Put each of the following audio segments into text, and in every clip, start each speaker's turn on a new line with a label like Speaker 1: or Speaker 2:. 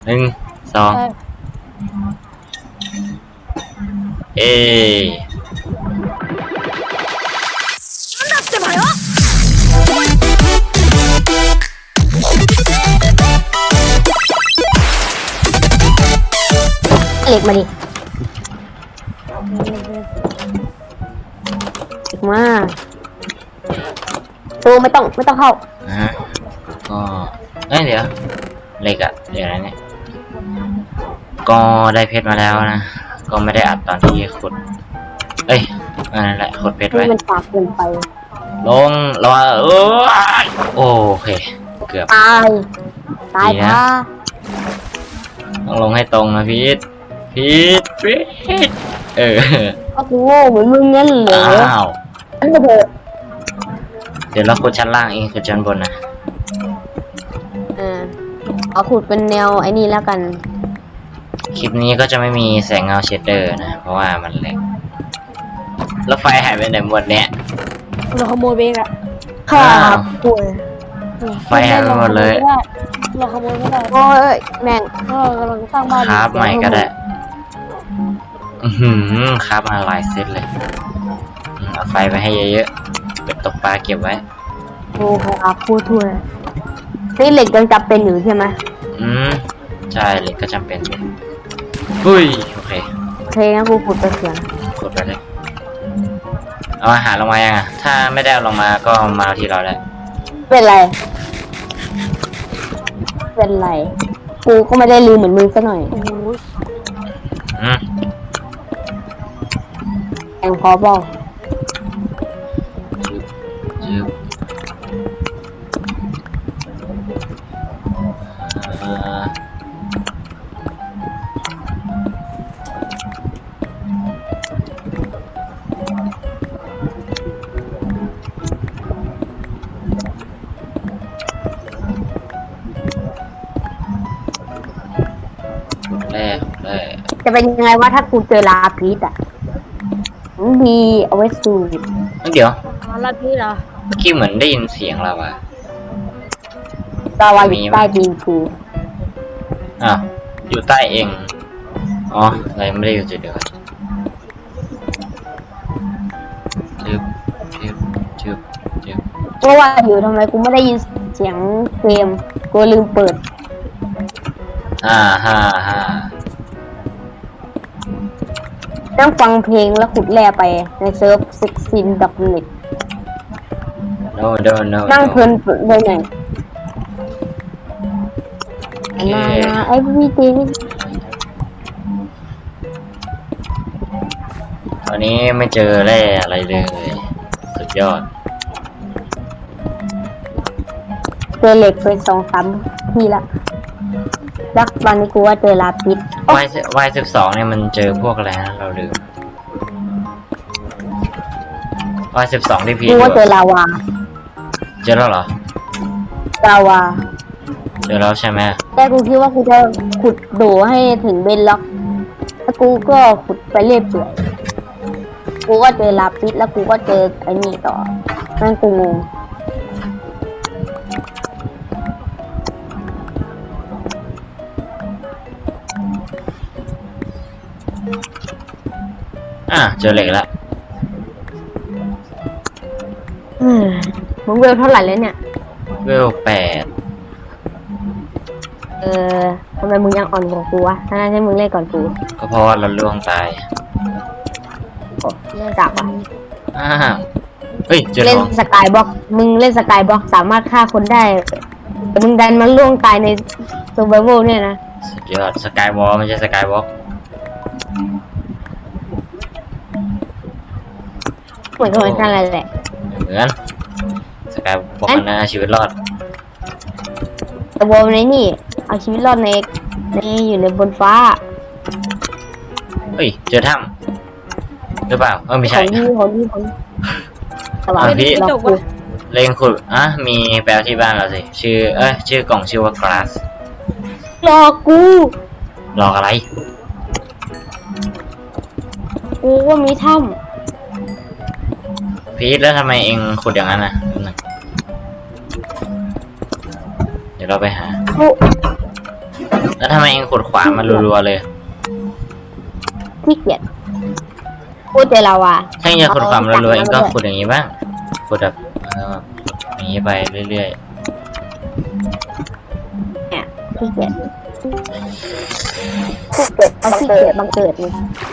Speaker 1: 1 2เอ
Speaker 2: เหล็กมาดิมาตูไม่ต้องเข้า
Speaker 1: ก็เดี๋ยวเหล็กอะเดี๋ยวนะเนี่ยก็ได้เพชรมาแล้วนะก็ไม่ได้อัดตอนที่ขุดนั่นแหละขุดเพชรไว้
Speaker 2: มันปากเกินไป
Speaker 1: ลงโอเคเกือบ
Speaker 2: ตายค่ะ
Speaker 1: ต้องลงให้ตรงนะพีท
Speaker 2: ก็กูโง่เหมือนมึงงั้นเหรอ
Speaker 1: อ้าว
Speaker 2: นั่นก็เถอะ
Speaker 1: เดี๋ยวเราขุดชั้นล่างเองขุดชั้นบนนะ
Speaker 2: เอาขุดเป็นแนวไอ้นี่แล้วกัน
Speaker 1: คลิปนี้ก็จะไม่มีแสงเงาเชดเดอร์นะเพราะว่ามันเล็กแล้วไฟหายไปไหนหมดเนี่ย
Speaker 2: เราขโมยไปอ่ะค่ะป่วย
Speaker 1: ไฟหายไปหมดเลย
Speaker 2: เราขโมยไม่ได้โอ้ยแม่งกำลังสร้างบ้าน
Speaker 1: ครับใหม่ก็ได้ครับมาหลายเซตเลยเอาไฟไปให้เยอะๆเป็ดตกปลาเก็บไว้
Speaker 2: โอ้ครับพูดทั่วนี่เหล็กยังจำเป็นอยู่ใช่ไหม
Speaker 1: ใช่เหล็กก็จำเป็นอุ้ยโอเค
Speaker 2: งั้นกูขุดไปเสียง
Speaker 1: ขุดไปเลยเอาอาหารลงมายังถ้าไม่ได้เอาลงมาก็มาที่เราได้
Speaker 2: เป็นไรกูก็ไม่ได้ลืมเหมือนมึงซะหน่อยแองพอบอกจะเป็นยังไงว่าถ้ากูเจอลาพิษมีเอาไว้สูบ
Speaker 1: เดี๋ยว
Speaker 2: ลาพิษเหรอ
Speaker 1: เมื่อกี้เหมือนได้ยินเสียงเราอะ
Speaker 2: ลาวาอยู่ใต้ดินกู
Speaker 1: อยู่ใต้เองอะไรไม่ได้อยู่จุดเดียวจึ๊บ
Speaker 2: เพราะว่าอยู่ทำไมกูไม่ได้ยินเสียงเกมกูลืมเปิดนั่งฟังเพลงแล้วขุดแร่ไปในเซิร์ฟ16.net นั่งเพลินไปไหนไอ้พี่ตี
Speaker 1: วันนี้ไม่เจอแร่อะไรเลยสุดยอด
Speaker 2: เจอเหล็กไป2-3 ทีละแล้ววันนี้กูว่าเจอลาพิษ
Speaker 1: Y12เนี่ยมันเจอพวกอะไรนะเราลืมY12ที่พี
Speaker 2: กูว่าเจอลาวา
Speaker 1: เจอแล้วเหรอ
Speaker 2: ลาวา
Speaker 1: เจอแล้วใช่ไหม
Speaker 2: แต่กูคิดว่ากูจะขุดโดให้ถึงเบนล็อกแล้วกูก็ขุดไปเรื่อยเปื่อยกูก็เจอลาพิษแล้วกูก็เจอไอ้นี่ต่อนั่นกูงง
Speaker 1: เจอเหล็กแล้ว
Speaker 2: มึงเวลเท่าไหร่แล้วเนี่ย
Speaker 1: เวล8
Speaker 2: ทำไมมึงยังอ่อนกว่ากูวะถ้าให้มึงเล่นก่อนกู
Speaker 1: ก็เพราะว่าเราล่วงตาย
Speaker 2: เล่นจับ
Speaker 1: เล่
Speaker 2: นสกายบ็อกมึงเล่นสกายบ็อกสามารถฆ่าคนได้แต่มึงดันมาล่วงตายในเซอร์ไวเวลเนี่ยนะ
Speaker 1: สุดยอดสกายวอลไม่ใช่สกายบ็อก
Speaker 2: เหมือนกันอะไรแหละ
Speaker 1: เหมือนสกายบอกนะชีวิตรอด
Speaker 2: แต่วอลในนี่เอาชีวิตรอดในอยู่ในบนฟ้า
Speaker 1: เจอถ้ำหรือเปล่าไม่ใช่
Speaker 2: ของพี่
Speaker 1: พี่เล่งขุดมีแปลที่บ้านเราสิชื่อกล่องชื่อว่า glass
Speaker 2: รอกู
Speaker 1: รออะไร
Speaker 2: กูว่ามีถ้ำ
Speaker 1: พีทแล้วทำไมเองขุดอย่างนั้นเดี๋ยวเราไปหาแล้วทำไมเองขุดขวามารัวๆเลย
Speaker 2: ขี้เกียจพูดเจอเราอ่ะ
Speaker 1: ถ้าเองจะขุดขวามารัวๆเองก็ขุดอย่างนี้บ้างขุดแบบอย่างนี้ไปเรื่อย
Speaker 2: เนี่ยขี้เกียจขี้เกียจบังเกิดนี่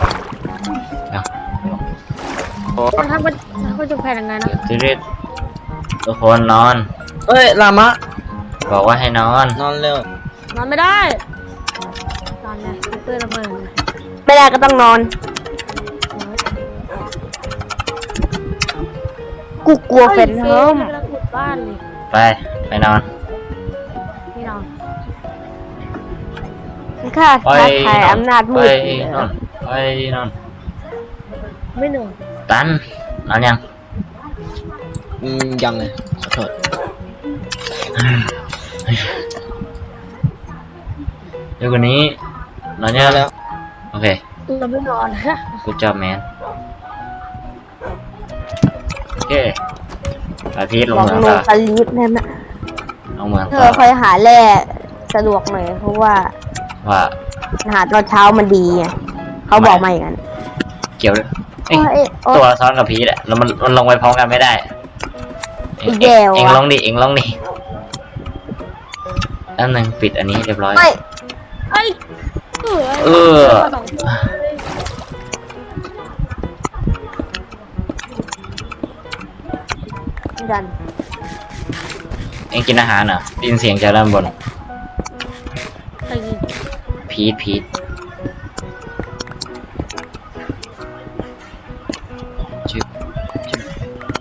Speaker 3: ถ้ามันจะแพ้ยังไงนะ
Speaker 1: ๆรีบๆทุกคนนอน
Speaker 4: เอ้ยลามะ
Speaker 1: บอกว่าให้นอน
Speaker 4: นอนเร็วน
Speaker 3: อนไม่ได้นอนไงเพื่อนระเบิด
Speaker 2: ไม่ได้ก็ต้องนอน กูกลัวเป็นเฮิม
Speaker 3: กำลังขุดบ้านเลย
Speaker 1: ไปนอน
Speaker 3: พี่นอน
Speaker 2: ข้าท้าทายอำนาจมื
Speaker 1: ไป
Speaker 2: ด
Speaker 1: นอนไปนอน
Speaker 3: ไม่เหนื่อย
Speaker 1: ตันนอนยัง
Speaker 4: ยังเลยขอโทษ
Speaker 1: เดี๋ยวกว่านี้นอนยัง
Speaker 4: แล้ว
Speaker 1: โอเค
Speaker 3: เราไม่นอน
Speaker 1: กูจอบแมนโอเคอาทิตย์ล
Speaker 2: ล
Speaker 1: ง
Speaker 2: อง
Speaker 1: เหมือง
Speaker 2: ล
Speaker 1: ต่
Speaker 2: ง
Speaker 1: อ
Speaker 2: สลีปนั่นนะ
Speaker 1: ลงเหมือง
Speaker 2: เธ
Speaker 1: ต่
Speaker 2: อ
Speaker 1: อ
Speaker 2: คอยหาแร่สะดวกหน่อยเพราะว่า
Speaker 1: ว่า
Speaker 2: หาตอนเช้ามันดีไงเขาบอกมาอย่างนั้น
Speaker 1: เกี่ยวด้วยเอ้ย
Speaker 2: เอ้ยโอ๊
Speaker 1: ตัวย ซ้อนกับพีทอะแล้วมันลงไปพร้อมกันไม่ได้เอง
Speaker 2: แย่ว่ะ
Speaker 1: เองลงดิเองลงดิแล้วหนึ่งปิดอันนี้เรียบร้อย
Speaker 2: ไม่
Speaker 3: ไอ้เอ
Speaker 1: เออ
Speaker 3: สองตัวเลย
Speaker 2: ดัน
Speaker 1: เองกินอาหารเหรอได้ยินเสียงจากด้านบน
Speaker 3: ไอ้ยิง
Speaker 1: พีทชึบชึบ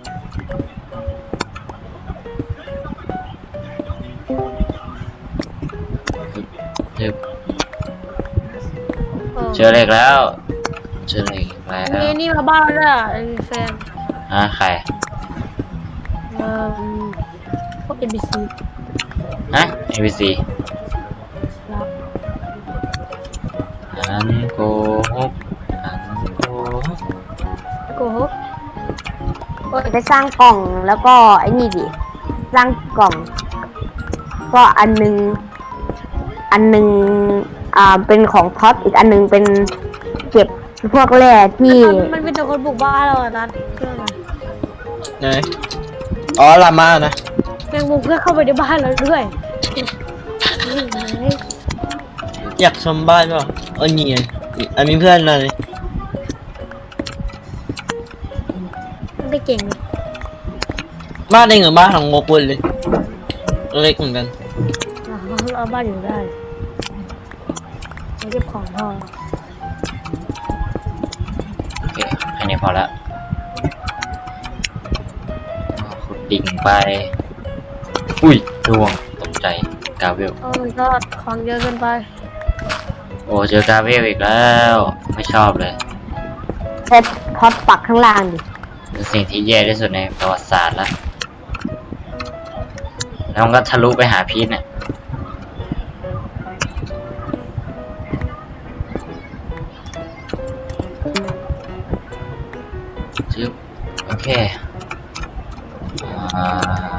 Speaker 1: ชึบเจอเหล็กแล้ว เจอเหล็กแล้ว
Speaker 3: นี่มาบ้านแล้วไอ้แฟน
Speaker 1: ใคร
Speaker 3: พวก NPC
Speaker 1: ABC
Speaker 3: แล้ว
Speaker 1: อันโกหกอันโกหก
Speaker 3: โกหก
Speaker 2: ไปสร้างกล่องแล้วก็ไอ้นี่ดิสร้างกล่อง ก็อันนึงเป็นของท็อปอีกอันนึงเป็นเก็บพวกแร่ที่
Speaker 3: มันเป็นแต่คนบุกบ้านเราอะนัดเพื่อนมัน
Speaker 4: ไหนอ๋อลามะนะ
Speaker 3: แมงมุมเพื่อนเข้าไปในบ้านเราด้วย
Speaker 4: อยากชมบ้านเปล่านี่ไงอันนี้เพื่อนมาเลย
Speaker 3: มันได้เก่งเลย
Speaker 4: บ้านเองกับบ้านของโมกุลเลยเล็กเหมือนกัน
Speaker 3: เราบ้านอยู่ได้เราเก็บของพอ
Speaker 1: โอเคแค่นี้พอละขุดดิ่งไป อุ้ยดวงตกใจกาเวล
Speaker 3: โอ้ยก็ของเยอะเกินไป
Speaker 1: โอ้เจอกาเวลอีกแล้ว ไม่ชอบเลย
Speaker 2: เซตท็อปปักข้างล่างดิ
Speaker 1: เป็นสิ่งที่แย่ที่สุดในประวัติศาสตร์แล้ว แล้วมันก็ทะลุไปหาพีทเนี่ยจึ๊บโอเคอ่า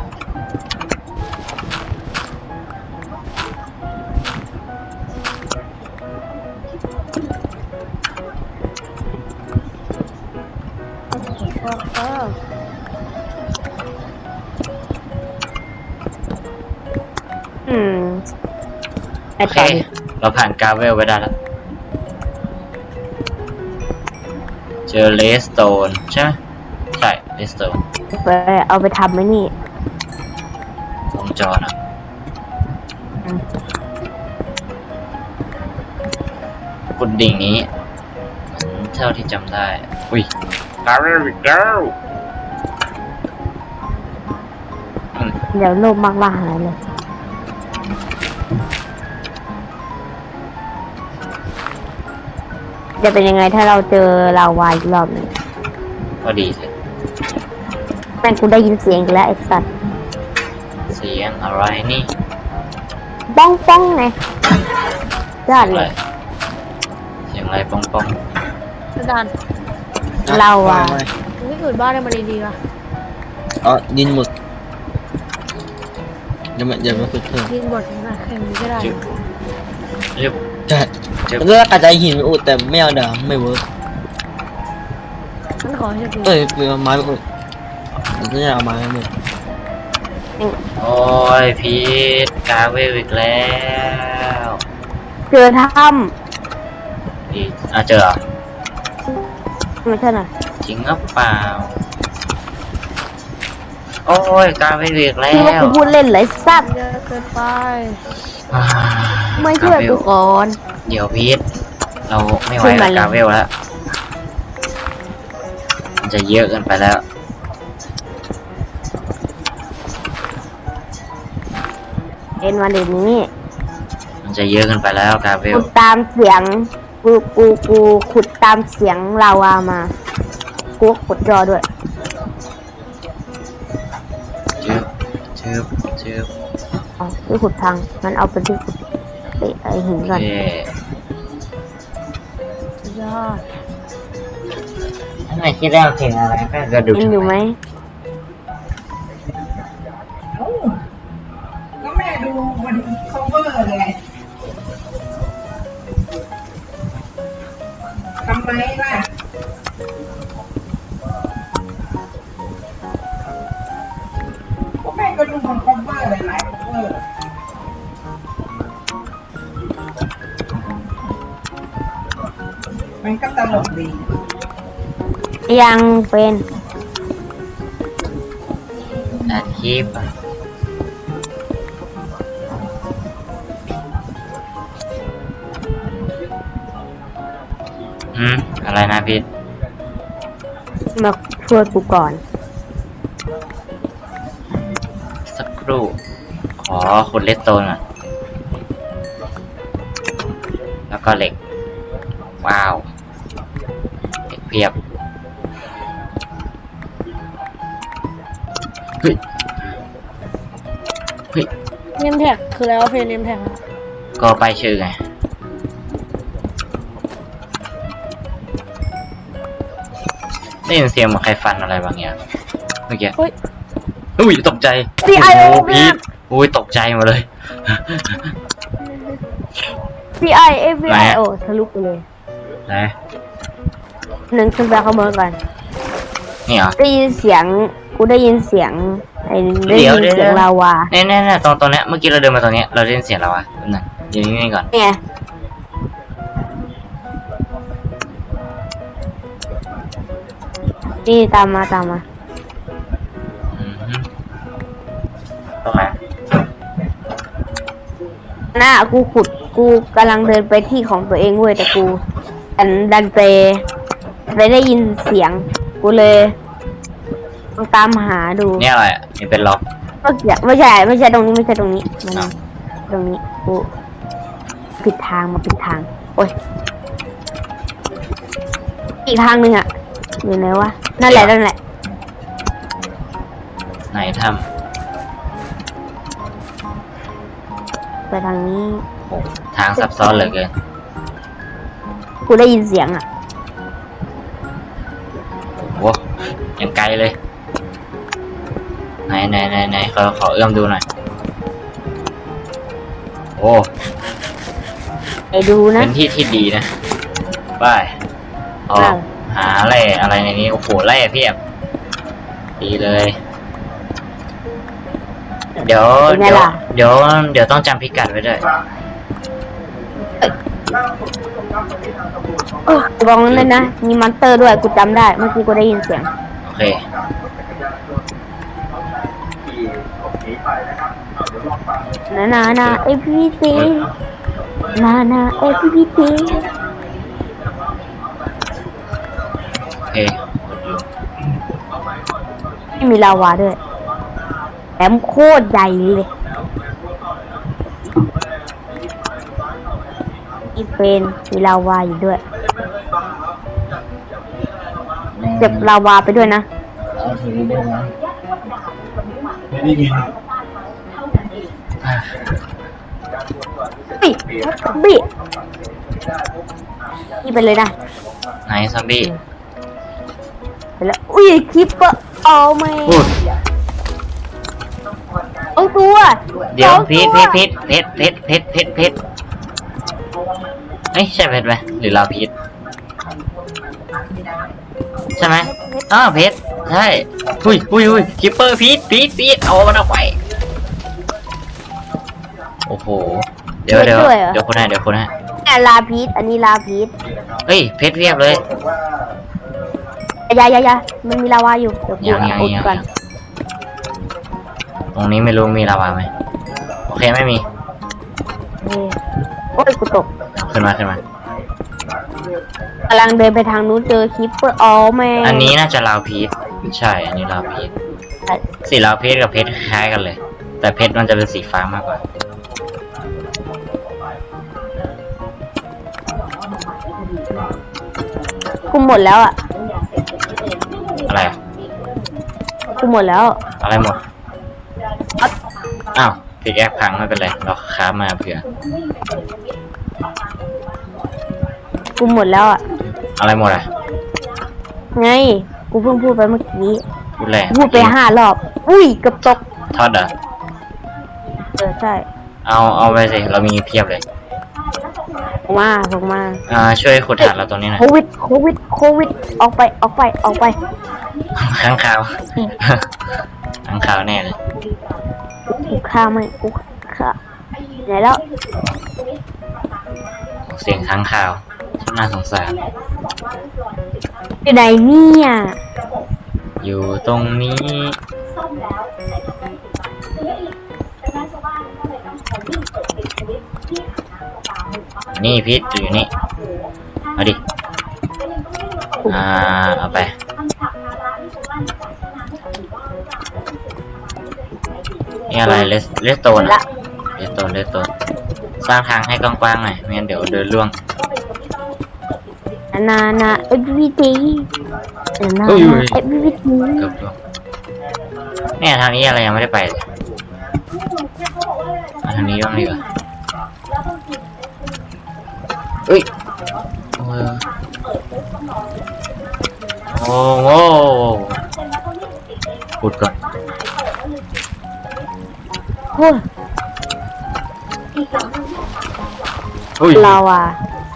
Speaker 2: อืมไป
Speaker 1: โอเค
Speaker 2: ต่อดิ
Speaker 1: เราผ่านกาเวลไปได้แล้ว เจอเลสโตนใช่ไหมใช่เลสโตน
Speaker 2: ไปเอาไปทำไหมนี่
Speaker 1: วงจรอ่ะ
Speaker 2: อืม
Speaker 1: กุดดิ่งนี้เท่าที่จำได้ อุ้ยกาเวลอีกแล้ว
Speaker 2: เดี๋ยวโลภมากว่าหายเลย จะเป็นยังไงถ้าเราเจอลาวาอีกรอบหนึ่ง
Speaker 1: ก็ดีสิ
Speaker 2: แม่งกูได้ยินเสียงอีกแล้วไอ้สัตว์
Speaker 1: เสียงอะไรนี่
Speaker 2: ป้องป้องไงยอด
Speaker 1: อะ
Speaker 2: เล
Speaker 1: ไร
Speaker 2: ย
Speaker 1: เสียงอะไรป้องป้อง
Speaker 3: อาจารย์
Speaker 2: เราอะ
Speaker 3: ไม่เกิดบ้านได้มาดีๆว่ะ
Speaker 4: อ๋อดินหมดอย่ามาขุดเพิ่ม
Speaker 3: ยิงบทนะใครมีก็ได้
Speaker 1: จึ๊บเรียบ
Speaker 4: ใช่แล้วก็กระจายหินไปอุดแต่ไม่เอาดาบไม่เวิร์ก
Speaker 3: ฉันขอให้ดู
Speaker 4: เอ้ยเอาไม้ไปอุดฉันจะเอาไม้ไปอุด
Speaker 1: โอ้ยพีทกาเวลอีกแล้ว
Speaker 2: เจอถ้
Speaker 1: อีกเจอเหรอ
Speaker 2: ำไม่ใช่น่ะ
Speaker 1: จริงหรือเปล่า โอ้ยกาเวลอีกแล้
Speaker 2: คือว่ากู
Speaker 1: ว
Speaker 2: พูดเล่นไรสัตว์
Speaker 3: เยอะเกินไป
Speaker 1: อ่า
Speaker 2: ไม่ช่วย
Speaker 1: กาเว
Speaker 2: กู
Speaker 1: ล
Speaker 2: ก่อน
Speaker 1: เดี๋ยวพีทเราไม่ไหว
Speaker 2: ช่วยมั
Speaker 1: แล้ว
Speaker 2: น
Speaker 1: กาเวลแล้ว มันจะเยอะเกินไปแล้ว
Speaker 2: เอ็นวันเดี๋ยวนี้
Speaker 1: มันจะเยอะเกินไปแล้วกาเวล
Speaker 2: กูตามเสียงกูขุดตามเสียงลาวามากูก็ขุดรอด้วย
Speaker 1: ชืบชืบ
Speaker 2: อ๋อที่ขุดพังมันเอาไปที่ขุดไอหิน
Speaker 1: โอ
Speaker 2: ก่อน
Speaker 1: เค
Speaker 3: ยอด
Speaker 1: ทำไมคิดได้เพลงอะไรก็กระดูก
Speaker 2: เอ็นอยู่ไหม
Speaker 5: ก็แม่ดูมัน cover ไงทำไมล่ะก็แม่ก็ดูมัน cover หลายๆ cover มันก็ตลกดี
Speaker 2: ยังเป็น
Speaker 1: อัดคลิปอะอะไรนะพีท
Speaker 2: มาช่วยกูก่อน
Speaker 1: สักครู่ ขอขุดเลสโตนก่อนแล้วก็เหล็ก ว้าวเหล็กเพียบ เฮ้ย เฮ้ย
Speaker 3: เนมแท็กคือแล้วเพลงเนมแท็ก
Speaker 1: ก็ไปายชื่อไง ได้ยินเสียงเหมือนใครฟันอะไรบางอย่างเมื่อกี้
Speaker 3: เฮ้ย
Speaker 1: อุ้ยตกใจ
Speaker 2: CIO
Speaker 1: โอ้โหพีทอุ้ยตกใจหมดเลย
Speaker 2: CI
Speaker 1: ไหน
Speaker 2: FBI
Speaker 1: อะ
Speaker 2: โอ้ทะลุไปเลย
Speaker 1: ไหน
Speaker 2: หนึ่งขึ้นไปข้างบนก่อน
Speaker 1: นี่เหรอ
Speaker 2: ได้ยินเสียงกูได้ยินเสียงไอ้ได้ยิน
Speaker 1: เดี๋ยว
Speaker 2: เสียงลาวา
Speaker 1: เนี่ยตรงเนี้ยเมื่อกี้เราเดินมาตรงเนี้ยเราได้ยินเสียงแล้ววะนั่นเดี๋ยวนี้ก่อน
Speaker 2: เนี่ยนี่ตามมา
Speaker 1: อือฮึตรงไหน
Speaker 2: หน้ากูกำลังเดินไปที่ของตัวเองเว้ยแต่กูดันไปได้ยินเสียง กูเลยต้องตามหาดู
Speaker 1: เนี่ยอะไรอ่ะนี่เป็นล็อก
Speaker 2: ไม่ใช่ตรงนี้มันตรงนี้กูผิดทางโอ้ยอีกทางหนึ่งอ่ะอยู่ไหนวะนั่นแหละ
Speaker 1: ไหนท
Speaker 2: ไปทางนี้
Speaker 1: ำโอ้ทางซับซ้อนเหลือเกิน
Speaker 2: กูได้ยินเสียงอ่ะ
Speaker 1: โอ้ยังไกลเลยไหนขอเอื้อมดูหน่อยโอ้
Speaker 2: ไปดูนะ
Speaker 1: เป็นที่ที่ดีนะไปออก
Speaker 2: อ้าว
Speaker 1: หาแร่อะไรในนี้โอ้โหแร่เพียบดีเลย เดี๋ยวต้องจำพิกัดไว้ด้วย
Speaker 2: กูบอกนั่นเลยนะมีมอนเตอร์ด้วยกูจำได้เมื่อกี้กูได้ยินเสียง
Speaker 1: โอเค
Speaker 2: นาเอพีซีนาเอพีซี
Speaker 1: โอเค
Speaker 2: ไม่มีลาวาด้วยแถมโคตรใหญ่เลยอีเป็นมีลาวาอยู่ด้วยเก็บลาวาไปด้วยนะ
Speaker 1: ไม่ได้ยิน
Speaker 2: บี้นี่ไปเลยนะ
Speaker 1: ไหนซอมบี้
Speaker 2: ไปแล้วอุ้ยคลิปเปอร์เอาไหม
Speaker 1: พูด
Speaker 2: เอาตัว
Speaker 1: เดี๋ยว
Speaker 2: สอง
Speaker 1: พีท
Speaker 2: ตัว
Speaker 1: เพชรอ้ยใช่เพชรไหมหรือลาพีชใช่ไหมอ้าวเพชรใช่อุ้ยคิปเปอร์พีชเอามันออกไปโอ้โหเดี๋ยวคนให้
Speaker 2: เนี่ยลาพีชอันนี้ลาพีช
Speaker 1: เฮ้ยเพชรเรียบเลย
Speaker 2: ยามันมีลาวาอยู่เดี๋ยวกู
Speaker 1: ยัง
Speaker 2: อุดก่อน
Speaker 1: ตรงนี้ไม่รู้มีลาวาไหมโอเคไม่มี
Speaker 2: โอ้ยกูตก
Speaker 1: ขึ้นมา
Speaker 2: กำลังเดินไปทางนู้นเจอคิปเปอร์อ๋อแม่
Speaker 1: อันนี้น่าจะลาวพีชใช่อันนี้ลาวพีชสีลาวพีชกับเพชรคล้ายกันเลย แต่เพชรมันจะเป็นสีฟ้ามากกว่า
Speaker 2: กูหมดแล้วอ่ะ
Speaker 1: อะไรอะ
Speaker 2: กูหมดแล้ว
Speaker 1: อะไรหมดอ้าวพิกแอคพังไม่เป็นไรเราค้ามาเผื่อ
Speaker 2: กูหมดแล้วอ่ะ
Speaker 1: อะไรหมดอ่ะ
Speaker 2: ไงกูเพิ่งพูดไปเมื่อกี้
Speaker 1: พูดแรง
Speaker 2: พูดไป5 รอบอุ้ยเกือบตก
Speaker 1: ทอดเหรอ
Speaker 2: ใช่
Speaker 1: เอาไปสิเรามีเพียบเลย
Speaker 2: ส่งมา
Speaker 1: ช่วยขุดฐานเราตรงนี้หน่อย
Speaker 2: โควิดออกไป
Speaker 1: ข้างคาว ข้างคาวแน่เลย
Speaker 2: กูฆ่าไหมกูฆ่าไหนแล้ว
Speaker 1: เสียงข้างคาวช่างน่าสงสาร
Speaker 2: อยู่ไหนเนี่ย
Speaker 1: อยู่ตรงนี้ นี่พิษอยู่นี่เอาดิเอาไปนี่อะไรเลสโตนอะเลสโตนสร้างทางให้กว้างๆหน่อยไม่งั้นเดี๋ยวเดินล่วง
Speaker 2: นาeveryday นา
Speaker 1: อุ้ย
Speaker 2: everyday
Speaker 1: เกือบล่วงเนี่ยทางนี้อะไรยังไม่ได้ไปเลยมาทางนี้บ้างดีกว่าอุ้ยโอ้โหขุดก่อน
Speaker 2: โอ้ย
Speaker 1: อุ้ย
Speaker 2: ลาวา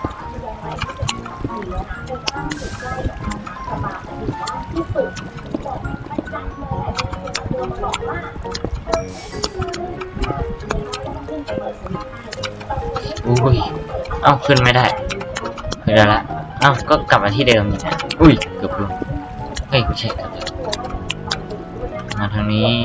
Speaker 1: อุ้ยเอ้าขึ้นไม่ได้ละเอ้าก็กลับมาที่เดิมนี่นะอุ้ยเกือบลงเฮ้ยไม่ใช่มาทางนี้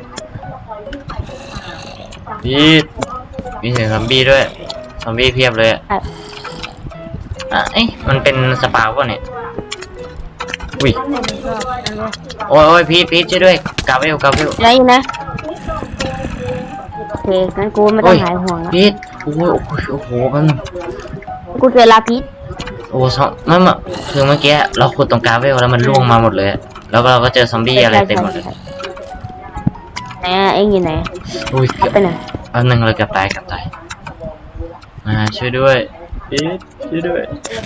Speaker 1: มีเสียงซอมบี้ด้วยซอมบี้เพียบเลยเอ้ยมันเป็นสปาวป่ะเนี่ยอุ้ยโอ้ยพีทช่วยด้วยกาเวล
Speaker 2: อะไรอยู่นะโอเคงั้นกูไม่ต้องหายห่วงแล้ว
Speaker 1: พีทโอ้โหแป๊บนึง
Speaker 2: กูเจอลาพิษ
Speaker 1: โอ้ไม่คือเมื่อกี้เราขุดตรงกาเวลแล้วมันล่วงมาหมดเลยแล้วเราก็เจอซอมบี้อะไรเต็มหมดเลย
Speaker 2: ไหนเอ็งอยู่ไหน
Speaker 1: อุ้ย
Speaker 2: เอาไปไหน
Speaker 1: แป๊บนึงเราเกือบตายมาช่วยด้วยพีทช่วยด้วย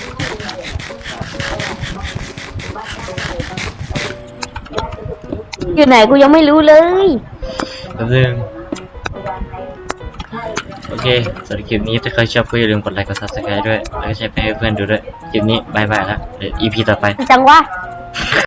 Speaker 2: อยู่ไหนกูยังไม่รู้เลย
Speaker 1: แป๊บนึงโอเคสำหรับคลิปนี้ถ้าใครชอบก็อย่าลืมกดไลค์กด subscribe ด้วยแล้วก็แชร์ไปให้เพื่อนดูด้วยคลิปนี้บายแล้วเดี๋ยว EP ต่อไป
Speaker 2: จังวะ